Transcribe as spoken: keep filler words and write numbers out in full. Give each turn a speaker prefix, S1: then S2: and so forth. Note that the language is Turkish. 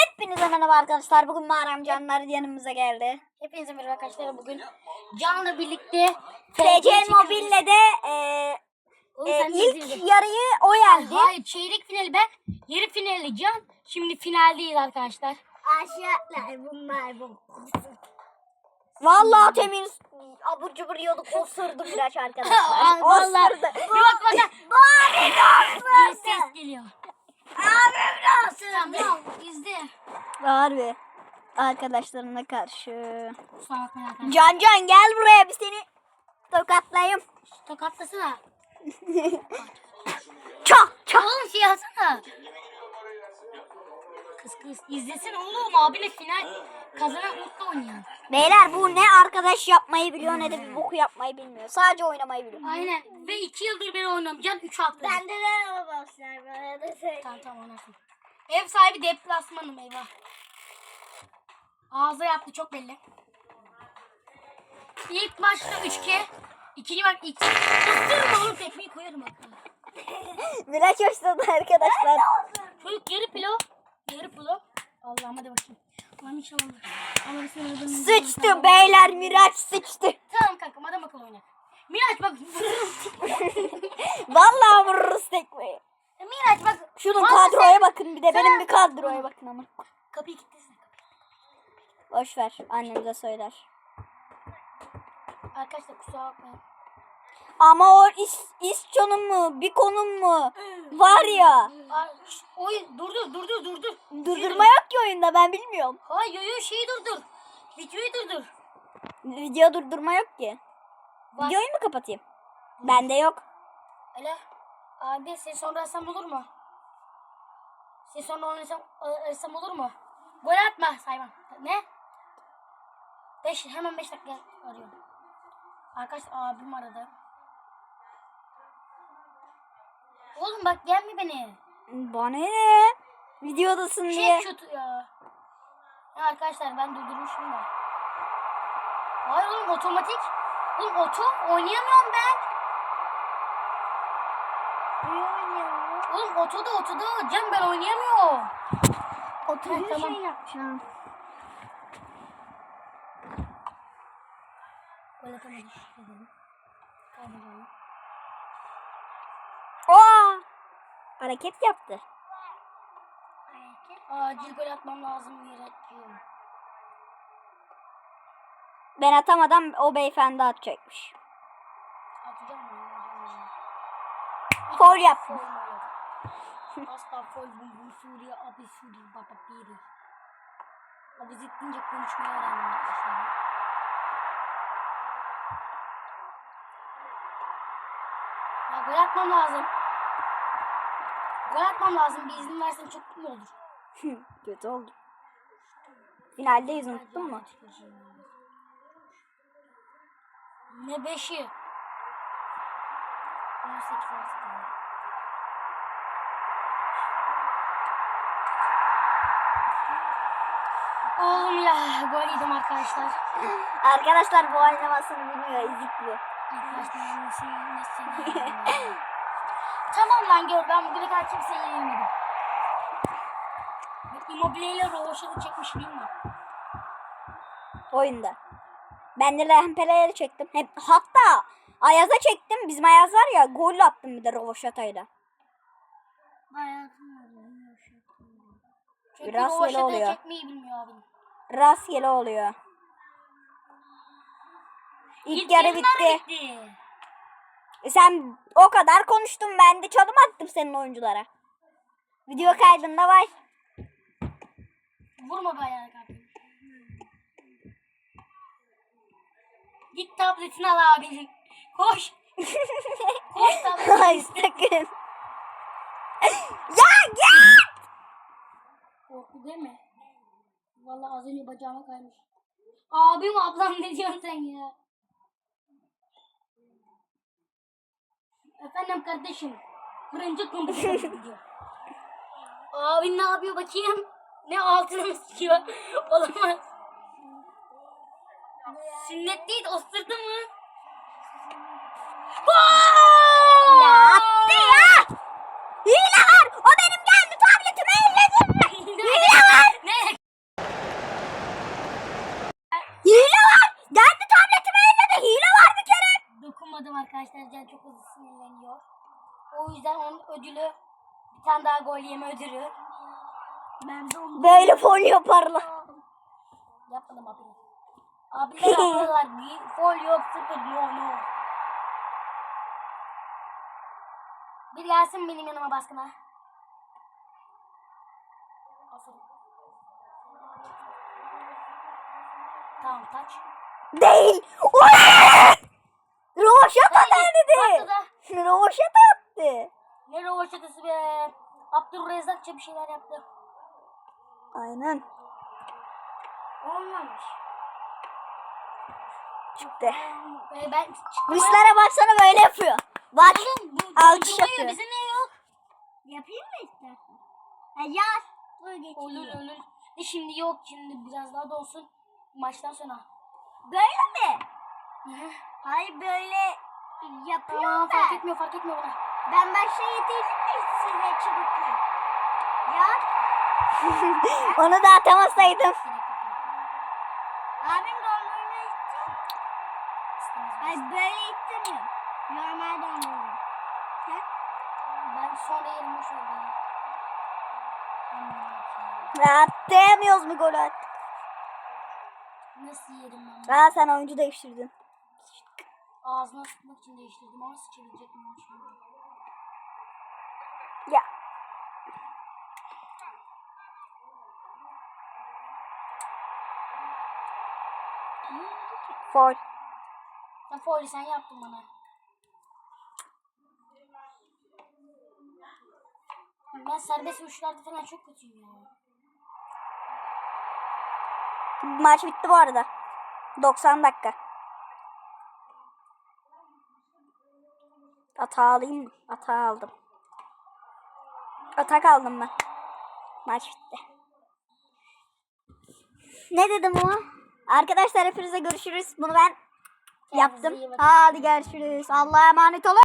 S1: Hepinize merhaba arkadaşlar. Bugün Mağaram Canlar yanımıza geldi.
S2: Hepinize merhaba arkadaşlar. Bugün Can'la birlikte
S1: F C Mobile'le de e,
S2: Oğlum,
S1: e,
S2: sen de
S1: ilk
S2: izledin.
S1: yarıyı o yendi.
S2: Hayır, çeyrek finali ben, yarı finali Can. Şimdi finaldeyiz arkadaşlar.
S3: Aşağılar bunlar bu.
S1: Vallahi temin abur cubur yiyorduk. Osurdu biraz arkadaşlar.
S2: Ay, vallahi.
S1: Osurdu.
S2: Bir bak bak.
S3: Bari
S2: Bir ses geliyor.
S3: Abim nasıl?
S2: Tamam, izle.
S1: Harbi. Arkadaşlarına karşı.
S2: Kusura bakmayın arkadaşlar.
S1: Can Can gel buraya, bir seni tokatlayayım.
S2: Tokatlasana.
S1: Çak çak.
S2: Oğlum şey yazsana. Kız kız izlesin oğlum, abine final kazanan mutlu oynayan.
S1: Beyler bu ne arkadaş yapmayı biliyor ne de bir boku yapmayı bilmiyor. Sadece oynamayı biliyor.
S2: Aynen, ve iki yıldır ben oynuyorum. Can üç hafta.
S3: Bende de arabaslar bana da söyle.
S2: Tamam tamam oynasın. Ev sahibi deplasmanım, eyvah. Ağza yaptı çok belli. İlk maçta üç ke. İkinci maç iki. Isırma oğlum, tekmeyi koyarım hatta.
S1: Miraç hoşladı arkadaşlar.
S2: Çocuk yarı pilo. Yarı pilo. Allah'ım hadi bakayım. Allah'ım inşallah. Allah'ım seni
S1: Sıçtı beyler, Miraç sıçtı.
S2: Tamam kankam, adam akıllı oyna. Miraç bak.
S1: Vallahi vururuz tekmeyi.
S2: Miraç bak.
S1: Şunun
S2: vallahi
S1: kadroya
S2: sen-
S1: bakın, bir de benim bir kadroya bakın ama.
S2: Kapıyı kilitlesin.
S1: Boş ver, annemize söyler.
S2: Arkadaşlar kusura bakmayın.
S1: Ama o iş, işçonun mu, bir konum mu var ya.
S2: Ay, şş, Oy durdur durdur durdur.
S1: Durdurma yok ki oyunda, ben bilmiyorum.
S2: Hayır yo yo şeyi durdur. Videoyu durdur.
S1: Video durdurma yok ki.
S2: Var.
S1: Videoyu mu kapatayım? Bende yok.
S2: Öyle. Abi sen sonra arasam olur mu? Sen sonra oynasam arasam olur mu? Gol atma Sayman. Ne? Beş, hemen beş dakika arıyorum. Arkadaş abim aradı. Oğlum bak gelme beni.
S1: Bana ne? Videodasın diye.
S2: Şey kötü ya. Ya arkadaşlar ben durdurmuşum da. Hayır oğlum otomatik. Oğlum oto oynayamıyorum ben.
S3: İyi oynuyor.
S2: Oğlum otoda otoda Cem ben oynayamıyorum.
S3: Oturduğu
S2: tamam.
S3: şey yapacağım.
S2: Gol atamadım. Kaybediyorum.
S1: Aa! Hareket yaptı.
S2: Acil gol atmam lazım gerekiyor.
S1: Ben atamadan o beyefendi atacakmış.
S2: Atacağım mı?
S1: Foul yaptım.
S2: Asla fol bum bum Suriye abi Suriye baba biri. Abi zittince konuşmayı öğrendim arkadaşlar. Ya gol atmam lazım. Gol atmam lazım. Bir izin versen çok iyi olur.
S1: Kötü oldu. Finaldeyiz, unuttun mu?
S2: Ne beşi? on sekiz on sekiz. Oğlum ya gol yedim arkadaşlar.
S1: Arkadaşlar bu oynamasını bilmiyor, ezik bu.
S2: Arkadaşlar nasıl nasıl Tamam lan gör, ben bugüne kadar kimseyi yenilmedim. Immobile ile Rovaşa'da çekmiş değil mi?
S1: Oyunda. Ben de Lempele'leri çektim. Hep, hatta Ayaz'a çektim. Bizim Ayaz var ya, gol attım bir de Rovaşata'yla.
S2: Hayatım var. Çünkü
S1: Biraz öyle
S2: Rovaşa'da
S1: oluyor.
S2: çekmeyi bilmiyor abim.
S1: Rastgele oluyor. İlk,
S2: İlk
S1: yarı
S2: yarılar
S1: bitti.
S2: bitti.
S1: E sen o kadar konuştun, ben de çalım attım senin oyunculara. Video kaydında var.
S2: Vurma be ayağa kardeşim. Git tabletini al abicim. Koş. Koş tabletini.
S1: Ay sakın. Ya git.
S2: Korktu değil mi? Vallahi az önce bacağıma kaymış. Abim ablam ne diyorsun sen ya? Efendim kardeşim. Fırıncı kumbuşum diyor. Abin ne yapıyor bakayım? Ne altına mı sıkıyor? Olamaz. Sünnet değil, osturdu mu?
S1: Ya attı ya. Hile var. O benim geldi tabletimi elledim. Hile var.
S2: Ne O yüzden onun ödülü bir tane daha gol yeme ödülü.
S3: Ben de onu
S1: Böyle foul yaparlar.
S2: Yapmadım abi. Abiler yapıyorlar. Bir gol yok sıfır. No no. Bir gelsin benim yanıma baskına. Aferin. Tamam taç.
S1: Değil. Rovaşata dedi.
S2: Patladı.
S1: Rovaşata attı.
S2: Ne rovaşatası be. Abdülrezzakça bir şeyler yaptı.
S1: Aynen.
S3: olmamış.
S1: Çıktı.
S2: Ee, ben
S1: Ruslara baksana böyle yapıyor. Bak.
S2: Oğlum bu
S1: Alkış
S2: durdurmuyor,
S1: yapıyor.
S2: Bizim ne yok?
S3: Yapayım mı istersen? Ha yaz. Dur
S2: Olur
S3: geçeyim.
S2: olur. E şimdi yok şimdi biraz daha dolsun. Maçtan sonra.
S3: Böyle mi?
S2: Hı hı.
S3: Hayır böyle yapıyorum
S2: Tamam fark
S3: ben.
S2: etmiyor fark etmiyor bana.
S3: Ben başta yedirdim mi size çubukla? Ya
S1: Onu da atamasaydım.
S2: Gerek yok, gerek yok.
S3: abim dondurma istiyor.
S2: İstemez
S3: Hayır
S2: misin?
S3: böyle istemiyorum. Normal dondurma. Ha?
S2: Ben sonra yerim boş ver ya. Hmm,
S1: Atlayamıyoruz mu golü at?
S2: Nasıl yerim ben?
S1: Aa sen oyuncu değiştirdin.
S2: Ağzına sıkmak için değiştirdim ama sıçabilecek miyim şimdi?
S1: Ya. Foul.
S2: Sen foili sen yaptın bana. Ben serbest vuruşlarda falan çok kötüyüm ya.
S1: Maç bitti bu arada. doksan dakika. Ata alayım mı? Ata aldım. Atak aldım ben. Maç bitti. Ne dedim ama? Arkadaşlar hepinize görüşürüz. Bunu ben yaptım.
S2: iyi bakın.
S1: Hadi görüşürüz. Allah'a emanet olun.